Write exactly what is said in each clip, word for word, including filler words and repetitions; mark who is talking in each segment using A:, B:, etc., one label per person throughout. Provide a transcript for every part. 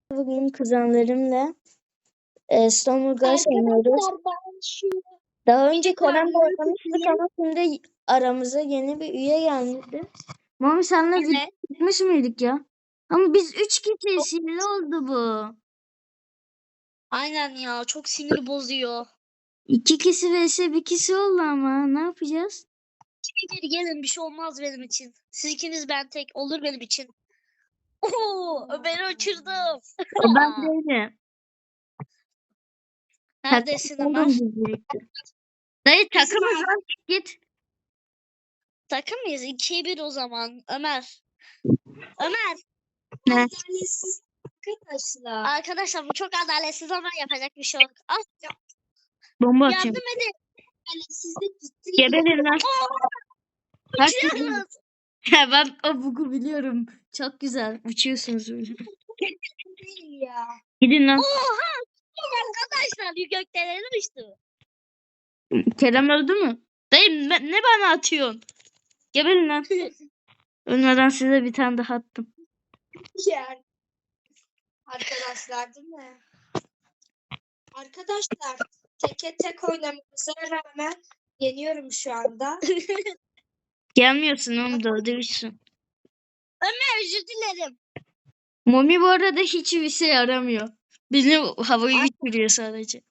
A: Bugün kuzenlerimle e, Stonewall oynuyoruz.
B: Arkadaşlar ben şu
A: Daha önce Kerem'le
B: yukarıları
A: oynamıştık
B: tutayım.
A: ama şimdi aramıza yeni bir üye geldi. Mami senle
B: Evet.
A: video çekmiş miydik ya? Ama biz üç kişiyiz. Sinirli oldu bu.
B: Aynen ya, çok sinir bozuyor.
A: İki kişi vs bir kişi oldu ama ne yapacağız?
B: Bir gelin, bir şey olmaz benim için. Siz ikiniz, ben tek olur benim için. Oo, Ömer'i uçurdum.
A: O ben değilim.
B: Neredesin
A: Takım
B: Ömer?
A: oldum biz birlikte. Dayı takımız lan, çık git.
B: Takım mıyız? ikiye bir o zaman. Ömer. Ömer.
A: Ne?
B: Adaletsiz arkadaşlar. Arkadaşlar bu çok adaletsiz ama yapacak bir şey yok. Al,
A: Bomba atayım.
B: yardım edin. Adaletsizlik gitti.
A: Geberin lan. Herkes
B: Uçuyoruz.
A: ben o bugu biliyorum. Çok güzel. Uçuyorsunuz böyle.
B: Değil ya.
A: Gidin lan.
B: Oha! Arkadaşlar gökdelene düştü.
A: Kerem öldü mü? Dayı ne, ne bana atıyorsun? Geberin lan. Ölmeden size bir tane daha attım.
B: Yani. Arkadaşlar değil mi? Arkadaşlar teke tek oynamamıza rağmen yeniyorum şu anda.
A: Gelmiyorsun oğlum, dövdürürsün.
B: Ömer, özür dilerim.
A: Mami bu arada hiçbir şey yaramıyor. Beni havayı uçuruyor sadece.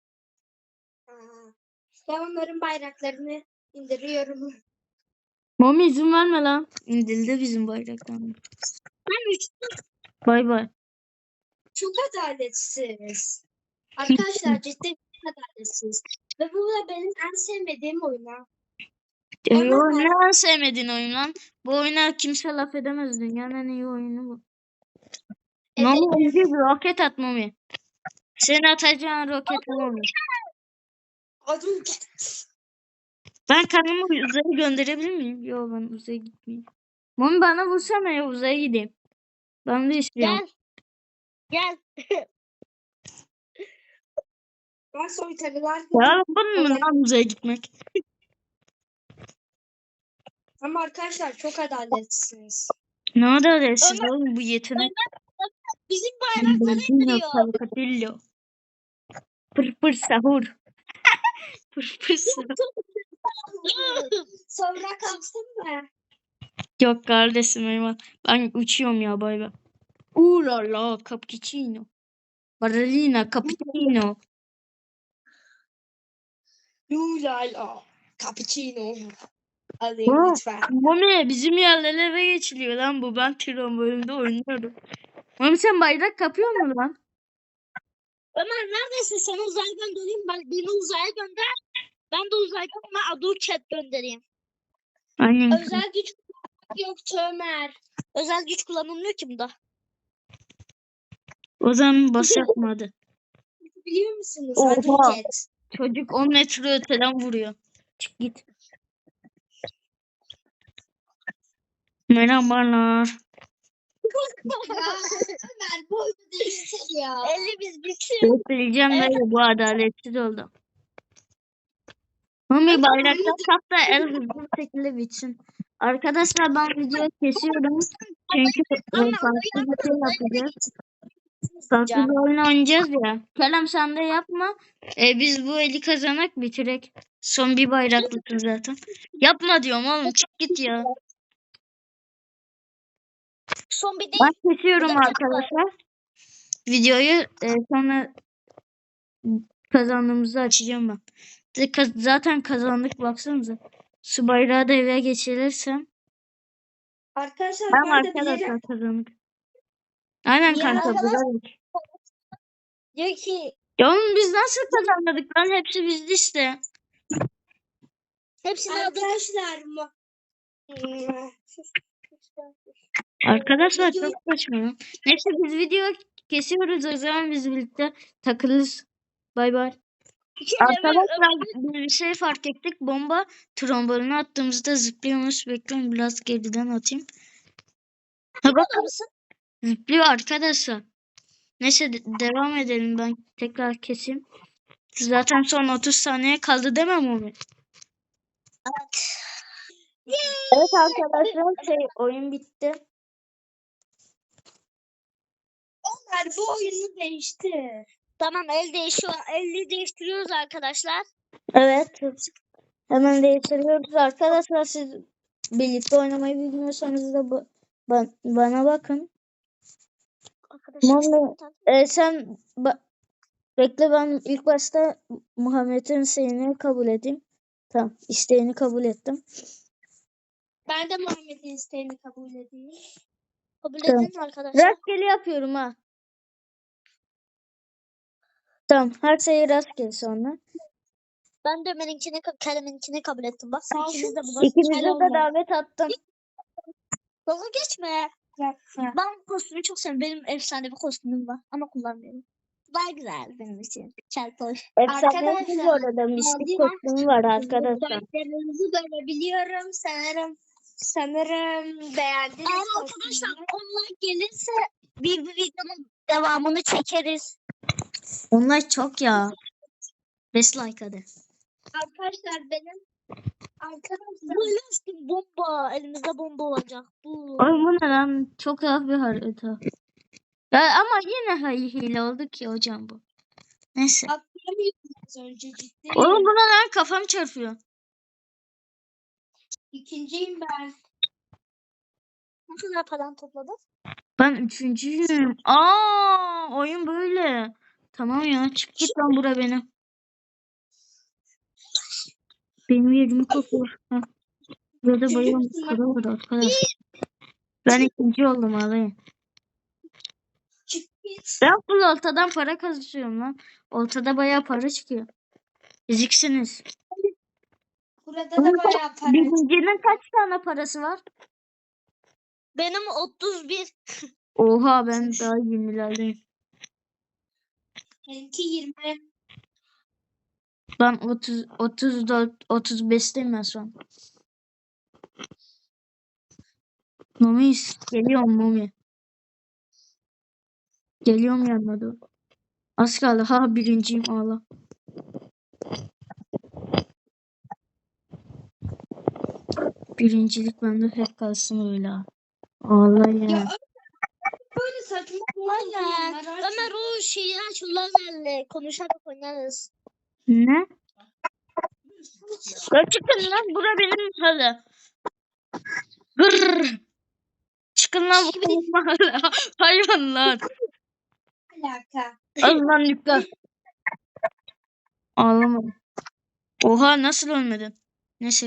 B: Ben onların bayraklarını indiriyorum.
A: Mami izin verme lan. İndirildi bizim bayraktan.
B: Ben uçtum.
A: Bay bay.
B: Çok adaletsiz. Arkadaşlar cidden çok adaletsiz. Ve bu da benim en sevmediğim oyun.
A: E,
B: Ama
A: yo,
B: ben-
A: ne en sevmediğin oyun lan? Bu oyuna kimse laf edemez. Dünyanın en iyi oyunu bu.
B: Evet.
A: Mami önce bir roket at Mami. Senin atacağın roket Mami.
B: Adım
A: Ben kendimi uzaya gönderebilir miyim? Yok, ben uzaya gitmeyeyim. Mami bana vursana ya, uzaya gideyim. Ben de istiyorum.
B: Gel. Gel. Ben soytarılar
A: Ya bunun mu lan uzaya gitmek?
B: Ama arkadaşlar çok adaletsiniz.
A: Ne adaletsiz
B: Ömer-
A: oğlum bu yetenek.
B: Bizim bayrakları
A: Bambino
B: indiriyor.
A: Calcadillo. Pır pır sahur. Pır pır sahur.
B: Sonra kalsın mı?
A: Yok kardeşim eyvallah. Ben uçuyorum ya, bay bay. Uuu la la cappuccino. Baralina cappuccino.
B: Yulala. Cappuccino. Alayım
A: Aa,
B: lütfen.
A: Mami bizim yerlere geçiliyor lan bu. Ben tron bölümünde oynuyorum. Mami sen bayrak kapıyor musun lan?
B: Ömer neredesin? Seni uzaya göndereyim. Ben, beni uzaya gönder. Ben de uzaydan ona Adu Chat göndereyim.
A: Aynen.
B: Özel güç yoktu Ömer. Özel güç kullanılmıyor ki bunda.
A: O zaman bas yapmadı.
B: Biliyor musunuz?
A: Oha.
B: Adu Chat.
A: Çocuk on metre öteden vuruyor. Çık git. Merhabalar.
B: Ömer bu oyunu değiştir ya. elli biz güçlü.
A: Göstereceğim
B: Evet.
A: dayı, bu adaletsiz oldu. Mami bayraktan kap da el hızlı bir şekilde bitsin. Arkadaşlar ben videoyu kesiyorum. Çünkü e,
B: Ama
A: farklı bir şey yapacağız. Farklı
B: Can.
A: bir oyun oynayacağız ya. Kerem sen de yapma. E, biz bu eli kazanak bitirek. Son bir bayraklısın zaten. Yapma diyorum oğlum, çık git ya.
B: Son bir değil.
A: Ben kesiyorum
B: Bu da
A: arkadaşlar. Videoyu e, sonra kazandığımızda açacağım ben. De- kaz- Zaten kazandık, baksanıza. Su bayrağı da eve geçirirsem.
B: Arkadaşlar
A: Tamam
B: ben de
A: arkadaşlar,
B: bilerek
A: kazandık. Aynen
B: Ya
A: kanka,
B: arkadaş-
A: bilerek.
B: diyor ki
A: Ya oğlum biz nasıl kazanmadık lan? Hepsi bizde işte.
B: hepsini arkadaşlar mı?
A: Arkadaşlar
B: Videoyu-
A: çok saçma lan. Neyse biz video kesiyoruz, o zaman biz birlikte takılırız. Bay bay. Arkadaşlar biz bir şey fark ettik. Bomba trombolunu attığımızda zıplıyormuş. Bekleyin biraz geriden atayım. Ha bakın, zıplıyor arkadaşlar. Neyse de- devam edelim, ben tekrar keseyim. Zaten son otuz saniye kaldı demem onu. Evet arkadaşlar şey oyun bitti.
B: Harbi oyunu değiştir.
C: Tamam el değişiyor. Eli değiştiriyoruz arkadaşlar.
A: Evet. Hemen değiştiriyoruz arkadaşlar. Siz birlikte oynamayı bilmiyorsanız da ba- ba- bana bakın.
C: Arkadaşlar
A: Muhammed, e, sen ba- bekle, ben ilk başta Muhammed'in isteğini kabul edeyim. Tamam, isteğini kabul ettim.
B: Ben de Muhammed'in isteğini kabul edeyim.
C: kabul
A: Tamam.
C: edin arkadaşlar.
A: Rastgele yapıyorum ha. Tamam, her şey rastgele sonra.
C: Ben de Ömer'inkini, Kerem'inkini kabul ettim. Bak
B: Sağ ol.
C: ikiniz de burada.
A: İkinize de davet attım.
C: Dalga geçme. Ben bu kostümü çok seviyorum. Benim efsane bir kostümüm var ama kullanmıyorum. Daha güzel benim için. Çeltoş.
A: Efsane bu
B: Arkadaşlar,
A: arada. Mistik
B: mavi
A: kostümü var arkadaşlar.
B: Başlarınızı görebiliyorum. Sanırım sanırım beğendiniz.
C: Eğer arkadaşlar onlar gelirse bir, bir videonun devamını çekeriz.
A: Onlar çok ya. Beş like hadi.
B: Arkadaşlar benim arkadaşlar
C: Böyle üstüm bomba. Elimizde bomba olacak. Bu.
A: Ay bu ne lan? Çok az bir harita. Ya ama yine hay- hile oldu ki hocam bu. Neyse.
B: atlayamıyordum az önce ciddi.
A: Oğlum bu ne lan? Kafam çarpıyor.
B: İkinciyim ben.
C: Ne kadar paran topladın?
A: Ben üçüncüyüm. Aa, oyun böyle. Tamam ya, çık git lan bura beni. Benim yerimi kokuyor. Heh. Burada bayağı para var arkadaşlar. Ben ikinci oldum abi.
B: Çık git.
A: Ben full oltadan para kazanıyorum lan. Oltada bayağı para çıkıyor. Eziksiniz.
B: Burada da bayağı para.
A: Birincinin kaç tane parası var?
C: Benim otuz bir.
A: Oha, ben daha yirmilerdeyim.
B: Benimki yirmi.
A: Ben otuz, otuz dört, otuz beşteyim ben şu an. Mami geliyorum Mami. Geliyorum yanına doğru. Az kaldı. Ha, birinciyim ağla. Birincilik bende hep kalsın öyle. ha. Ağla ya.
B: Ya böyle saçma
C: Aynen.
B: oyunlar
C: Ömer o şeyi aç. Lazerle konuşarak oynarız.
A: Ne? Ya çıkın lan, bura benim mahalle. Gırr. Çıkın lan bu benim mahalle. Hayvanlar.
B: alaka.
A: Allah nükle. Ağlama. Oha, nasıl ölmedin? Neyse.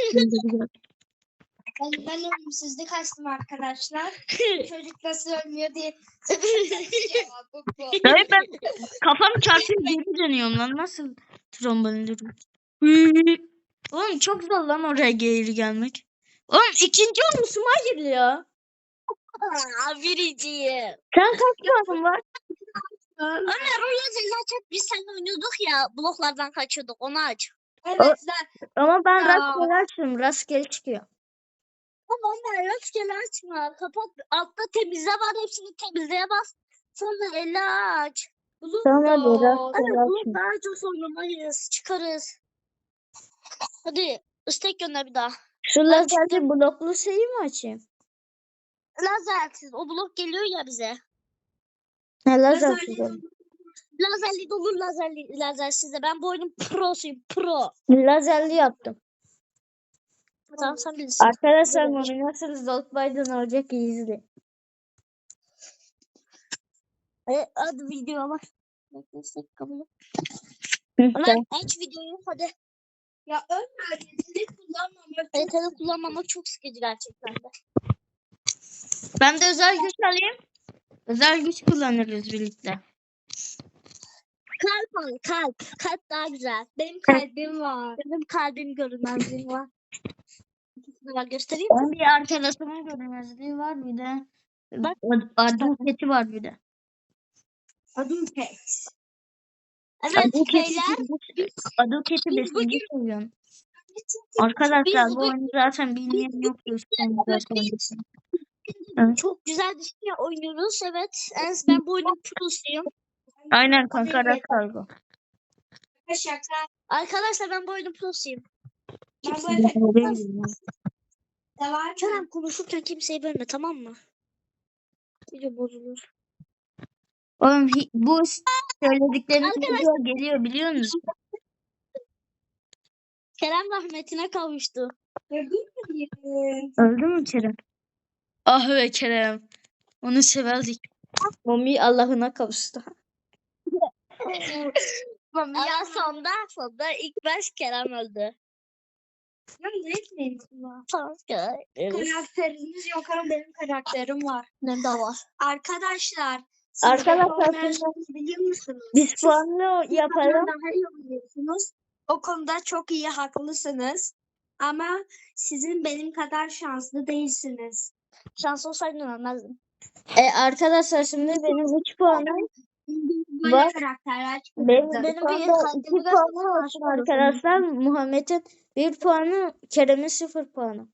B: Ben, ben ölümsüzlük açtım arkadaşlar. Çocuk nasıl ölmüyor diye. Cevabı bu.
A: Hayır, ben kafam çarpıyor geri dönüyorum lan. Nasıl trombolinlerim? Oğlum çok zor lan oraya geri gelmek. Oğlum ikinci olmuşum, hayır ya.
C: Aa, birinciyim.
A: Sen kaç puanın var?
C: Ömer o lazerle açıp biz seninle oynuyorduk ya. Bloklardan kaçıyorduk. Onu aç.
B: Evet lan.
A: Ama ben
B: Ya.
A: rastgele açıyorum. Rastgele çıkıyor.
C: Ama Ömer rastgele açma. Kapat. Altta temizle var. Hepsini temizleye bas. Sonra elle aç.
B: Bulut
A: Tamam hadi
B: da.
A: rastgele
C: Evet,
A: açıyorum.
C: bunu daha çok oynamayız. Çıkarız. Hadi istek gönder bir daha.
A: Şu
C: Ben
A: lazerli
C: çıktım.
A: bloklu şeyi mi açayım?
C: Lazersiz. O blok geliyor ya bize.
A: Ne lazer?
B: Lazerli
C: Lazerli de olur lazerli, lazersiz de. Ben bu oyunun prosuyum. Pro.
A: Lazerli yaptım.
C: Tamam sen bilirsin.
A: Arkadaşlar Mami nasıl Zolt Biden olacak, iyi izleyin.
C: E, hadi videoya bak. Beklesek kabul et.
A: Hı,
C: Ömer
A: tamam.
C: aç videoyu hadi.
B: Ya Ömer yetenek kullanmamak.
C: Yetenek kullanmamak çok sıkıcı gerçekten de.
A: Ben de özel güç alayım. Özel güç kullanırız birlikte.
C: Kalp al kalp. Kalp daha güzel.
B: Benim kalbim var.
C: Benim kalbim görünmezliği var. İkisini var göstereyim mi?
A: Onun bir arkadaşımın görünmezliği var, bir de
C: Bak.
A: ad- adım keti var bir de.
B: Adım Pek.
C: Evet
A: Adım keti,
C: beyler.
A: adım keti
C: biz
A: besinci
C: bugün-
A: seviyorum. Arkadaşlar
C: biz
A: bu
C: bugün-
A: oyunu zaten bilmeyen yok. Göstereyim zaten.
C: Biz-
A: Evet.
C: Çok güzel bir şey oynuyoruz. Evet. En, ben bu oyunun prosuyum.
A: Aynen kanka, rast kargo.
B: Şaka.
C: Arkadaşlar ben bu oyunun prosuyum.
B: Ben bu efekti de var.
C: Kerem konuşurken kimseyi bölme tamam mı? Video bozulur.
A: Oğlum hi- bu s- söyledikleriniz video geliyor biliyor musun?
C: Kerem rahmetine kavuştu.
B: Ya bilmiyorum.
A: Öldü mü Kerem? Ah be Kerem. Onu severdik. Mami Allah'ına kavuştu.
C: Ama sonda sonda ilk baş Kerem öldü.
B: Ya ne etmeyin buna.
C: Tamam Kerem.
B: Karakteriniz yok ama benim karakterim var.
C: Ne de var.
B: Arkadaşlar siz
A: Arkadaşlar,
B: Arkadaşlar
A: şimdi
B: biliyor musunuz?
A: Biz
B: Siz
A: puanlı
B: benden
A: yapalım.
B: daha iyi oynuyorsunuz. O konuda çok iyi haklısınız. Ama sizin benim kadar şanslı değilsiniz.
C: Şans olsaydı ölmezdim.
A: E, arkadaşlar şimdi benim üç puanım
B: Böyle
A: var.
B: karakterler
A: Benim,
B: çıkıyor.
A: benim
C: Benim
A: bir
C: bir
A: iki
C: kalbimi
A: puanım
C: göstersen
A: olsun
C: aşık olursun.
A: arkadaşlar. Muhammed'in bir puanı, Kerem'in sıfır puanı.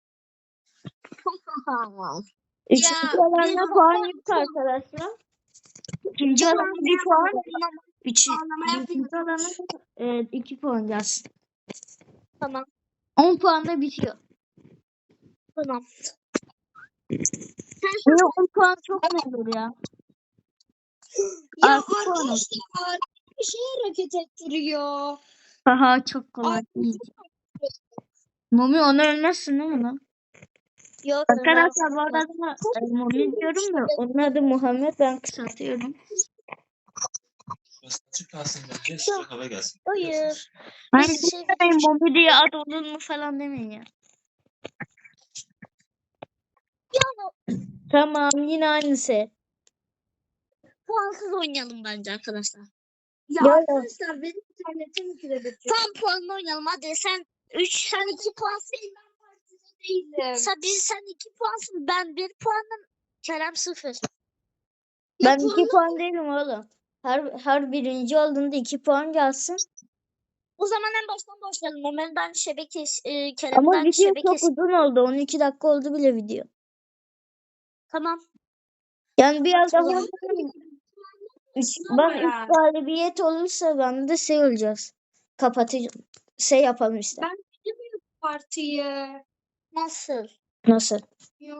A: Üçüncü
C: Ya,
A: alana
C: bir
A: puan
C: puan
A: yok arkadaşlar. İkinci alana bir puan. Üçü,
B: Puanlama
A: üçüncü alana e, iki puan gelsin.
C: Tamam.
A: On puanda bitiyor.
C: Tamam.
A: Niye on puan çok mu olur ya?
B: Ya
A: Altı puan olsun.
B: arkadaşlar bir şey hareket ettiriyor.
A: Haha çok kolay.
B: Ay.
A: İyi. Mumi onu ölmezsin değil mi lan?
C: Yok.
A: Arkadaşlar bu arada e, Mumi diyorum da onun adı Muhammed, ben kısaltıyorum.
D: Burası açık kalsın bence. Sıcak hava gelsin.
C: Hayır.
A: Hayır
C: Biz şey-
A: demeyin, Mumi diye ad olur mu falan demeyin ya. Tamam, yine aynısı.
C: Puansız oynayalım bence arkadaşlar.
B: Ya
A: Ya.
B: arkadaşlar benim internetim kirebilecek.
C: Tam puanla oynayalım. Hadi sen üç, sen iki puansın.
B: Ben partide değilim.
C: Sen, biz, sen iki puansın. Ben bir puanım. Kerem sıfır.
A: Ben
B: Ya
A: iki puan değilim oğlum. Her, her birinci olduğunda iki puan gelsin.
C: O zaman en baştan başlayalım. Ömer'den şebeke, e,
A: Ama
C: Kerem'den
A: video
C: şebeke.
A: çok uzun oldu. on iki dakika oldu bile video.
C: Tamam.
A: Yani biraz daha
C: Tamam.
A: üç, ben üç galibiyet olursa ben de şey olacağız. Kapatacağım. Şey yapalım işte.
B: Ben bilmiyorum partiyi.
C: Nasıl?
A: Nasıl?
B: Ya.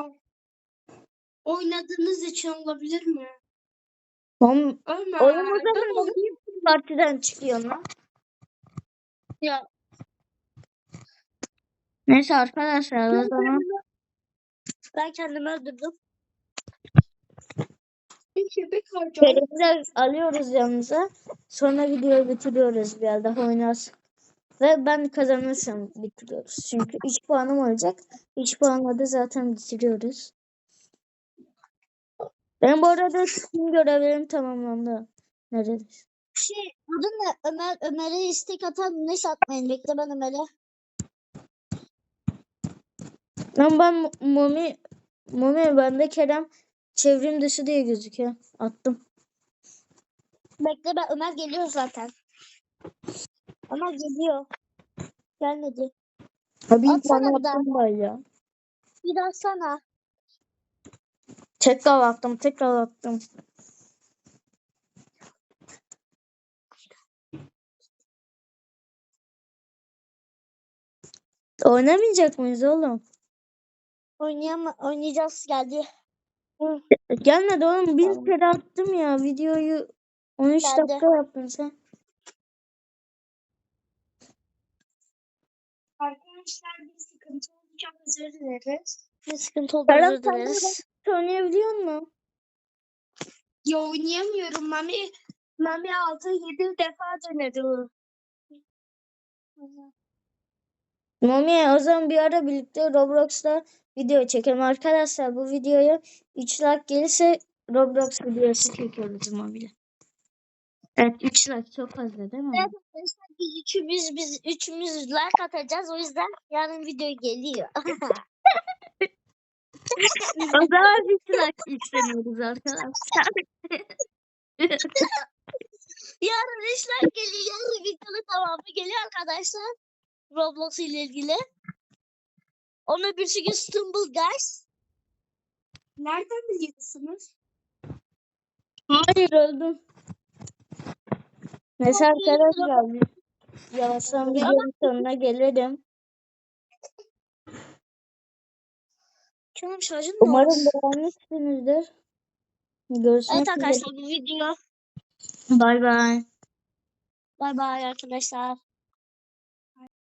B: Oynadığınız için olabilir mi?
A: Oğlum,
B: Ömer.
A: oyun o
B: Ben
A: zaman
B: oynayayım.
A: partiden çıkıyor lan.
C: Ya
A: Neyse arkadaşlar o zaman
C: ben kendimi öldürdüm.
B: Bir şebek harcayalım.
A: Kerem'i de alıyoruz yanımıza. Sonra videoyu bitiriyoruz, biraz daha oynarız. Ve ben kazanırsam bitiriyoruz. Çünkü üç puanım olacak. üç puanla da zaten bitiriyoruz. Ben bu arada tüm görevlerim tamamlandı. Neredeyiz?
C: Şey, adın ne? Ömer, Ömer'e istek atan ne satmayın. Bekle ben Ömer'e.
A: Lan ben Mu- Mumi Mumi bende Kerem çevrim dışı diye gözüküyor. Attım.
C: Bekle ben Ömer geliyor zaten. Ömer geliyor. Gelmedi.
A: Ha, bir
C: Atsana
A: tane
C: bir daha.
A: attım ben ya.
C: Bir atsana.
A: Tekrar attım, tekrar attım. Oynamayacak mıyız oğlum?
C: Oynayam oynayacağız geldi.
A: Gelmedi oğlum. Bir
C: Tamam.
A: kere attım ya. Videoyu on üç
C: Geldi.
A: dakika yaptın sen.
B: Arkadaşlar bir sıkıntı olacak, özür dileriz.
C: Ne sıkıntı oldu
A: Kerem
C: özür
A: sen de
C: dileriz.
A: oynayabiliyor musun?
B: Ya oynayamıyorum. Mami Mami altı yedi defa denedi.
A: Mami o zaman bir ara birlikte Roblox'ta video çekelim. Arkadaşlar bu videoya üç like gelirse Roblox videosu çekiyoruz Mami'yle. Evet, üç like çok fazla değil mi?
C: Evet arkadaşlar biz üçümüz biz üçümüz like atacağız o yüzden yarın video geliyor.
A: O zaman üç like istemiyoruz arkadaşlar.
C: Yarın üç like geliyor. Yarın videonun tamamı geliyor arkadaşlar. Roblox ile ilgili. Onun bir gün Stumble Guys.
B: Nereden biliyorsunuz?
A: Hayır, öldüm. Neyse arkadaşlar biz yavaştan videonun sonuna gelelim.
C: Canım şarjın mı?
A: Umarım beğenmişsinizdir. Görüşmek
C: Evet
A: üzere.
C: arkadaşlar bu video.
A: Bay bay.
C: Bay bay arkadaşlar.